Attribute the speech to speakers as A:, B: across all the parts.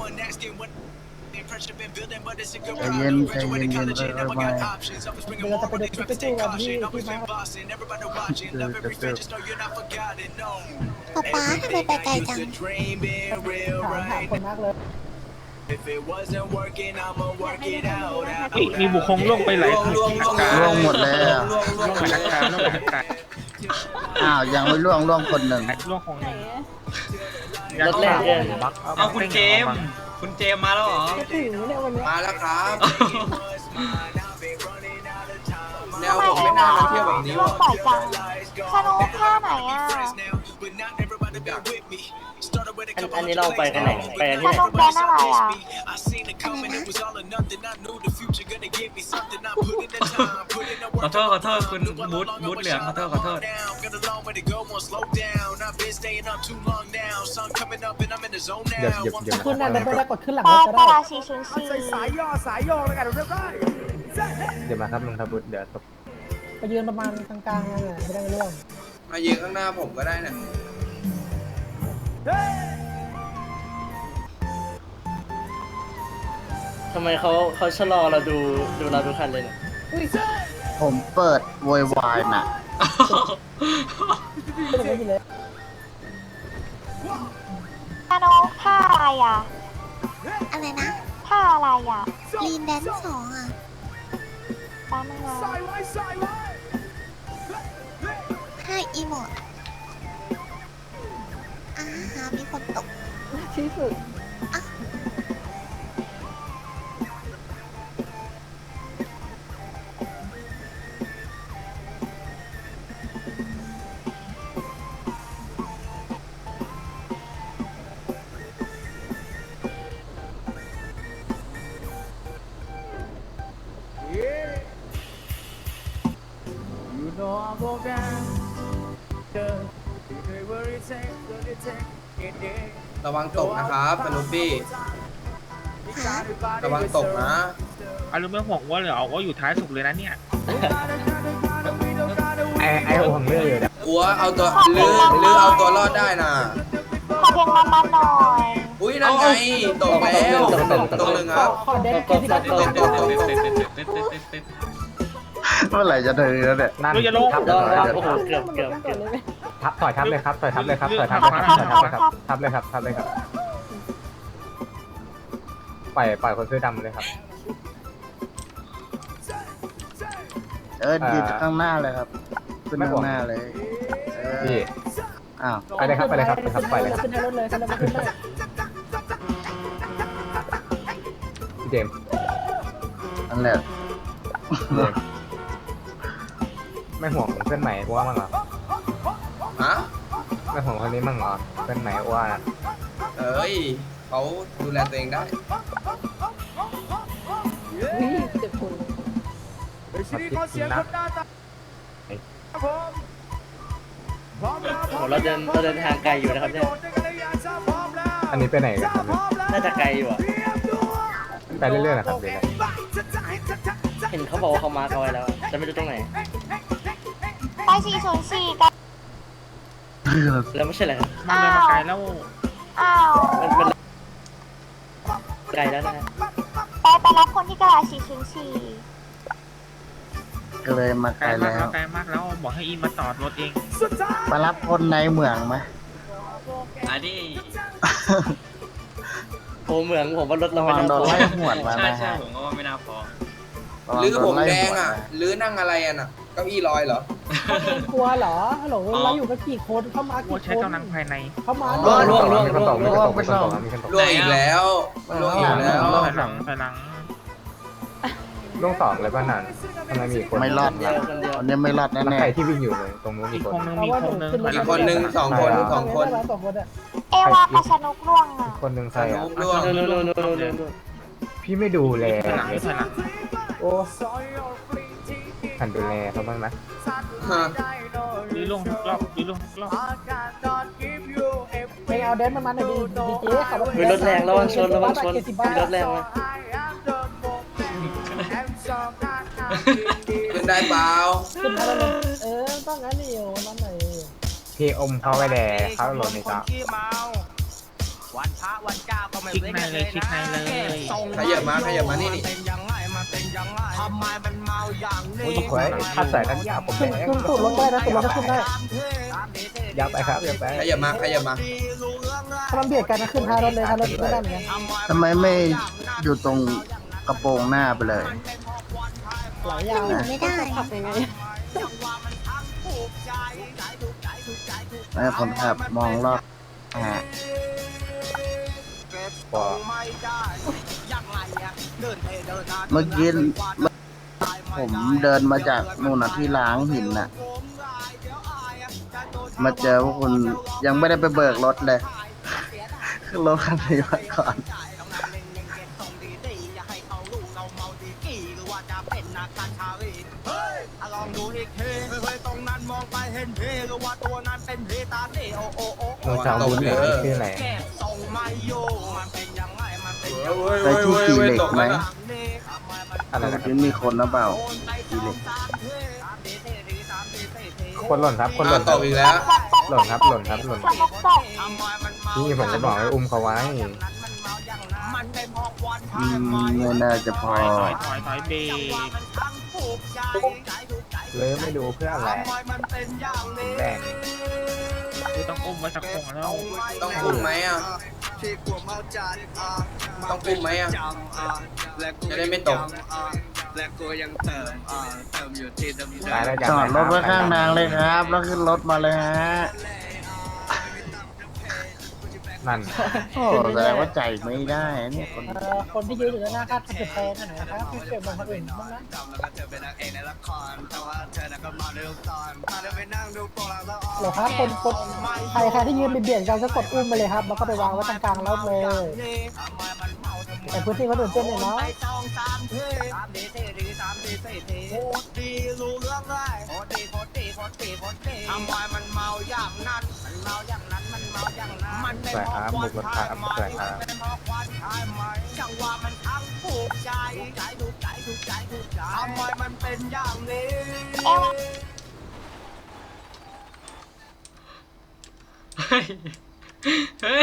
A: ใจเย็นใจเย็นเย็นไม่
B: เดี๋ยวเราจะไปดูคลิปไปดูกันที่มา
C: ป๊าทำไมไปไกลจัง
B: ถามคนมากเลย
D: มีบุคคลล่วงไปหลายที
A: ล่วงหมดแล้ว
D: ล่วงหลายการล่วงหลายการ
A: อ้าวยังไม่ล่วงคนหนึ่ง
D: ล่วงของหนึ่ง
E: รถแรกเลย
F: เอาคุณเจมส์มาแล้วเหรอ
B: จะถึงเนี่ยวันนี้
G: มาแล้วครับแนวผมไม่น่ามาเที่ยวแบบนี้
C: ร่ว
G: ว่ะ
C: งบ่อยจังสนุกท่าไหนอ่ะ
E: อันนี้เราไปกันไหนไปกัน
C: ส
E: ที่ไหน
C: นุกแดนอะไรอ่ะ
F: ขอโทษคุณบูทเหลืองขอโทษ
B: คุณน่ะเดินไปได้กดขึ้นหลัง
C: ป
B: ร
C: อ
B: ถก็
C: ป
B: ได้
C: รา404
B: สายย่อแล้วกันเรียบร้อย
D: เดี๋ยวมาครับลุงทับุตรเดี๋ยวตบ
B: ไปยืนประมาณกลางๆเลยไม่ได้ไม่ร่วง
G: มายืนข้างหน้าผมก็ได้นะ
E: ทำไมเขาชะลอเราดูเราทุกคันเลยเนี่ย
A: ผมเปิดโวยวายน่ะ
B: ไม่ได้ไม่เลย
C: สนุกท่าอะไรอ่ะ
H: อะไรนะ
C: ท่าอะไรอ่ะ
H: ลีนแดนสองอ่ะ
C: ตามมึงมา
H: ห้าอีโมดหามีคนตก
B: ที่สุด
G: ระวังตกนะครับสนุปปี้ระวังตกนะ
D: อารมณ์ไม่ห่วงว่าเลยเอาว่าอยู่ท้ายสุดเลยนะเนี่ยไอห่วงเรื่องอยู่นะ
G: อัวเอาตัวลือเอาตัวรอดได้นะ
C: ขอเพลงมันๆหน่อย
G: อุ้ยนั่นไงตกแล้วตกหนึ่งครับ
B: ขอเด่นที่สุด
G: ตก
A: เมื่อไหร่จะถึงแล้วเนี่ย
D: เราจะลง
E: รอโอ้โหเกือบ
D: ถอยทับเลยครับถอยทับเลยครับถอยทับ ทับเลยครับปล่อยคนเสื้อดำเลยครับ
A: ยืนข้างหน้าเลยครับขึ้นข้างหน้าเลยพี่อ้าว
D: ไปเลยครับไปเลยครับไปเลยครับ
B: ขึ้นรถเลยขึ้นรถเลย
D: เจมส์
A: นั่นแหละ
D: ไม่ห่วงเพื่อนใหม่อ้วนมั้งเหรอ
G: ฮะ
D: ไม่ห่วงคนนี้มั้งเหรอเพื่อนใหม่อ้วน
G: เอ้ยเขาดูแลตัวเองได้
B: เจ็บคน
E: เราเดินทางไกลอยู่นะครับเนี่ย
D: อันนี้ไปไหนกันครับ
E: น่าจะไกลอยู่อ่ะ
D: ไปเรื่อยๆนะครับเดี๋ยว
E: เห็นเขาบอกว่าเขามาร์คเอาไว้แล้วจะไม่รู้ตรงไหน
C: ไป404กัน
E: แล้วไม่ใช่เหรอครับ
D: มาเลยมาไกลแล้ว
C: อ้าว
E: มันไกลแล้วนะฮะ
C: ไปรับคนที่กระดาษ404
A: ก็เลยมาไก
D: ไก
A: ล
D: ลมาก
A: แล้ว
D: ไกลมากแล้วบอกให้อีมาจอดรถเอง
A: มารับคนในเมืองไหม
F: อันนี้
E: โอ้เหมืองผมว่ารถเรา
A: ระ
E: ไม่
A: วัง
E: น่า
A: โดน
E: พอ
A: ไล่หวดมา
F: ใช่
A: นะฮะ
F: ผมก็ว่าไม่น่าพอ
G: ลือผมแดงอ่ะลือนั่งอะไรอ่ะน่ะเก้าอี้ลอยเหรอ
B: กลัวเหรอฮัลโหลเราอยู่กันกี่คนเข้ามา
D: ว่า
B: กี่
D: ใช้
B: คน
D: กำลังภายใน
B: เข้ามา
E: ล่วง
D: มีคนตกมีคนตกมีคนตกมีคนตก
G: ล่วงอีกแล้วล่วงอีกแล้ว
D: ถอยหลังล่วง2เลยป่ะนั่นทำไมมีคน
A: ไม่รอดนะวันนี้ไม่รอดแน่
D: ใครที่วิ่งอยู่เลยตรงนู้นมีคนนึงมีคนนึง
G: อีกคนนึงสองคน
C: เอวากับสนุกล่วงอ่ะ
D: คนนึงใครอ่ะ
G: ล่วง
E: นู่น
D: พี่ไม่ดูแล
F: ถอยหลังถอยหลัง
B: โอ้
D: หันดูแลเขาบ้างนะ
G: ฮะ
D: ยื้อลงทุกรอบยื้อลงทุกรอบ
B: ไม่เอาเดนมันหน่อยดีเจ๊ขับรถ
E: มีรถแรงระวังชนมีรถแรงมา
G: ขึ้นได้เปล่า
B: ขึ้นมาเลยต้องงั้นนี่โอ้นั่นไหน
D: พี่อมเขาไปแดเขาหล่นในตา
I: วันพระวันเจ้าก็ไม่ชิกในเลยชิกในเลย
G: ขยับมานี่นี่
D: โอ้ยหวยถ้าใส่กันยาผมแด
B: ขึ้น
D: ง
B: สูดรถได้นะสูดรถจะขึ้นได้
D: ยับไปครับยับไป
G: ขยับมา
B: ถ้ามันเบียดกันนะขึ้นท้ายรถเลยท้ายรถไม่ได้เหมือนกัน
A: ทำไมไม่อยู่ตรงกระโปรงหน้าไปเลย
B: หลายอย่าง
H: อยู่ไม่ได้
C: ขับยังไง
A: ให้คนขับมองรอบอ่า
D: พอ
A: เมื่อกี้ผมเดินมาจากนู่นน่ะที่ล้างหินน่ะ มาเจอพวกคุณยังไม่ได้ไปเบิกรถเลย ขึ้นรถคันนี้มาก่อน
D: โดนสาวบุญเนี่ยชื่ออะไร
A: ไปที่ขี่เหล็กไหม
D: อะไร
A: เมื่อ
D: นะ
A: กี้มีคนหรือเปล่าขี่เหล็ก
D: คนหล่นครับคนห
G: อ้า
D: ล่
G: วน ตกอีกแล้ว
D: หล่นครับหล่นครับหล่น
C: สนุกตก
D: นี่ผมจะบอกให้อุ้มเขาไว้
A: ไม่น่าจะพอ
I: ถอยเบรก
D: เลยไม่ดูเพื่ออะไรแดง
I: คือต้องอุ้มไว้สักคงแล้ว
G: ต้องอุ้มไหมอ่ะจะได้ไม่ตก
D: ตายแล้ว
A: จอดรถไว้ข้างทางเลยครับ แล้วขึ้นรถมาเลยฮะ
D: นั่น
A: โอ้แสดงว่าใจไม่ได้เนี่ยคน
B: คนที่ยืนอยู่ด้านหน้าคาดจุดแทนนะครับไม่เก็บบางคนอื่นบ้างนะเหรอครับคนใครที่ยืนเบียดกันก็กดอุ้มไปเลยครับแล้วก็ไปวางไว้ตรงกลางรถเลยแต่พื้นที่คนอื่นเต้นเนี่ยเนาะ
D: สวยครับบุกรถครับสวยครับ
F: เฮ้ยเฮ้ย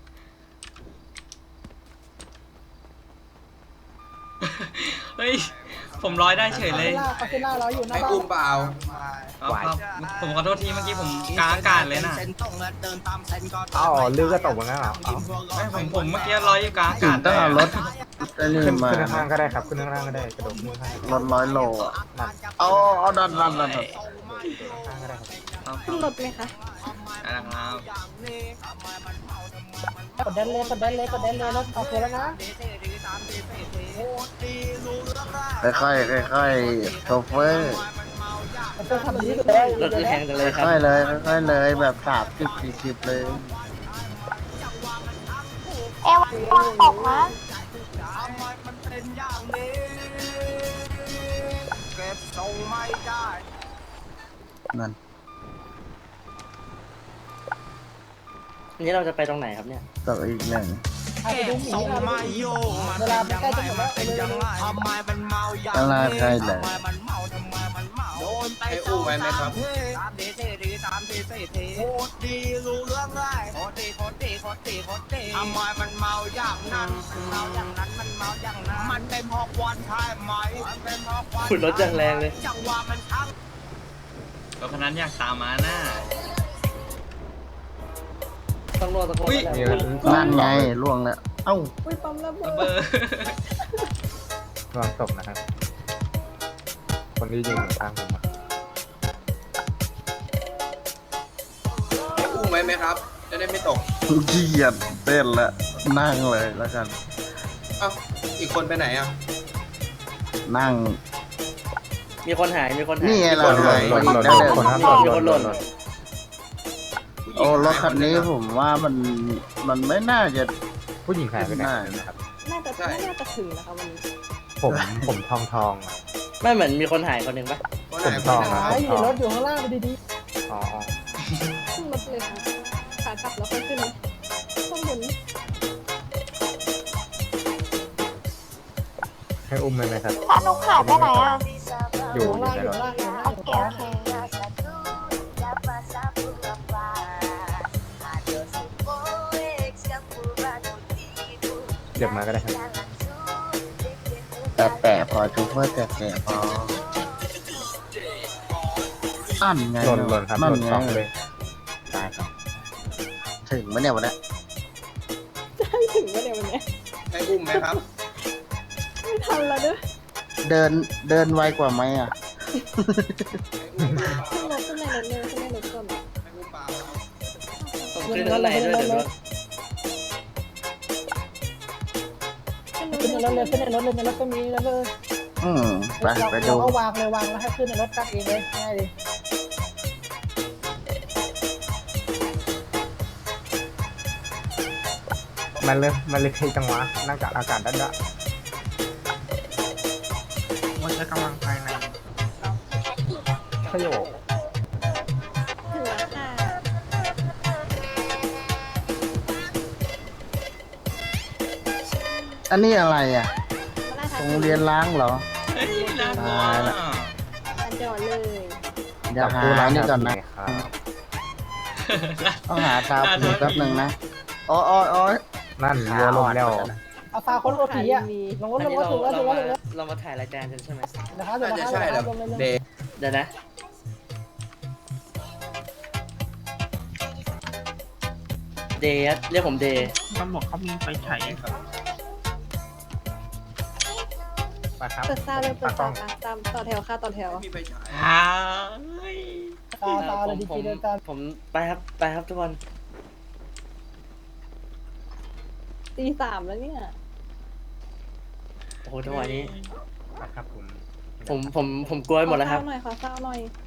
F: เฮ้ยผมร้อยได้เฉยเลย
B: เขาขึ้นหน้าร้อยอยู่หน้า
G: ให้
B: บ้า
G: อุ้
B: น
G: มเปล่า
F: ครับผมขอโทษทีเมื่อกี้ผมกลางอากาศเลยนะ
D: อ๋อลือก็ตกเหมือนกันเหรอ
F: ผมเมื่อกี้ร้อยอยู่กลางอา
A: ถึ
F: กาง ศ
A: ต้องเอารถไอ้นี่
D: ขึ้น
A: มา
D: ข้างก็ได้ครับขึ้นข้างก็ได้กระโดดขึ้นข้าง
A: รถ100 โลอ่ะ
D: นั่น
A: เอาดัน
D: ข้างก็ได้ครับ
C: ขึ้นรถไหมคะ
F: นะครับ
B: กดแดนเลยรถโอเคแล้วนะ
A: ค่อยๆโชเฟอร์
B: มันต้องทำนี้เลย
E: รถคือแทงกันเลยครับ
A: ค่อยๆเลยค่อยๆเลยแบบ30-40เลย
C: เอวาตกนะ
A: นั่น
E: อันนี้เราจะไปตรงไหนครับเนี่ย
A: ต่ออีกหนึ่ง
B: ไปดูหมีเวลาใกล้จะหมดแล้วเลย
A: ตลาดใกล้เลย
G: ให้อุ้มไว้ไหมครับ
E: ขุดรถจังแรงเลย
F: รถคันนั้นอยากตามมาหน้า
E: ต้องรอตะโกน
F: อุ๊ย
E: แล้ว
A: นั่นไงล่วงแล้วเอ้า
B: อุ้ยปั๊มระเบิ
F: ระ
B: ด
F: เบิด
D: ระวังตกนะครับ คนที่ยิงข้างผมอะ
G: ให้อุ้มไว้ไหมครับ จะได้ไม่ตก
A: เกียดเต้นละนั่งเลยแล้วกัน
G: เอ้าอีกคนไปไหนอ่ะ
A: นั่ง
E: มีคนหายมีคนหาย
A: นี่ไงเรา
G: หล่น
A: หล่น
D: หล่น
A: ได้เลย
D: คนครับหล่น
A: โอ้รถคันนี้ผมว่ามันไม่น่าจะ
D: ผู้หญิงหายไปไหนนะครับ
C: น่าจะถึงนะคะวันนี้
D: ผมทองอะ
E: ไม่เหมือนมีคนหายคนหนึ่งปะ
G: คนไหน
D: ผม
G: คนไหน
B: หายอยู่ในรถอยู่ข้างล่างไปดี
D: อ๋อ
C: ขึ้นรถเลยค่ะขากลับแล้วค่อยขึ้นข้างบน
D: ให้อุ้มเลยไหมครับ
C: สนุกหายไปไหนอ่ะ
B: ๆ
D: อยู่
B: ข้างล่าง
D: ใน
B: อยู่
D: ร
B: ข้าง
D: ถ
B: ล่างอยู่ข้างล่าง
C: โอเคโอเค
D: เก็บมาก็ได้ครับ
A: แต่พอจูเพื่อแต่พออันไง
D: หล่นครับห
A: นั่น
D: ล่น
A: ไง
D: สองเลย
A: ตายครับถึงไหมเนี่ยวันนี้
C: ได้ถึงว่าเดี๋ยววันเนี้ย
G: ให้อุ้มไหมครับ
C: ไม่ทันแล้วเด้อ
A: เดินไวกว่าไหมอ่ะ
C: ขึ้นรถขึ้นในรถเลยขึ้นในรถก่อน
G: ให้อุ้มเปล่าครับ
E: ผมขึ้นเท่าไหร่ด้วยเดี๋ยวด้วย
B: ขึ้นในรถเลยขึ้นในรถเลยในรถก็มีแล้วเลย
A: ไปดู
B: เราก็วางเลยวางแล้วให้ขึ้นในรถกันเองเลยง่ายดี
D: มันเลยเทจังหวะนั่งกับอากาศด้านด้าน
I: ว่าใช้กำลังภายใน
D: ประโยค
C: ถึงแล้วค่ะ
A: อันนี้อะไรอ่ะ
C: มาล่า
A: โร
C: ทาง
A: งเรียนล้างเหรอ
F: เฮ้ยน่ากลัว
C: อันจอดเลย
A: เดี๋ยวหานี่ก่อนนะ
D: ครับ
A: ต้องหาตาผีแป๊บหนึ่งนะอ๋อ
D: นั่นเรือลมแล้ว
B: เอาฟาคนโอผีอ่ะลงรถ
E: อัน
B: ลง
E: นี้
B: รถถึงแล้วถึงแล้วถึงแล้ว
E: เรามาถ่ายรายการกันใช่ไหม
B: นะครับ
G: น่าจะใช่แหละ
B: ลงเลย
G: เดย์
E: เดี๋ยวนะ เดย์ครับเรียกผมเดย์
I: ต้องบอกเขามีไฟฉาย
D: ไปครับ
C: เปิดซาวเลยเปิด
D: ตา
C: ซาวตามต่อแถวค่ะต่อแถว
G: มีไฟฉาย
F: ฮ่า
B: ตาเลยดี
E: ผม
B: เดินตาม
E: ผมไปครับทุกคน
C: ตีสามแล้วเนี่ย
E: โอ้โหจังหวะนี้
D: ไปครับผม
E: ผมกลัวไปหมดแล้วครับ
C: ขอเศร้าหน่อย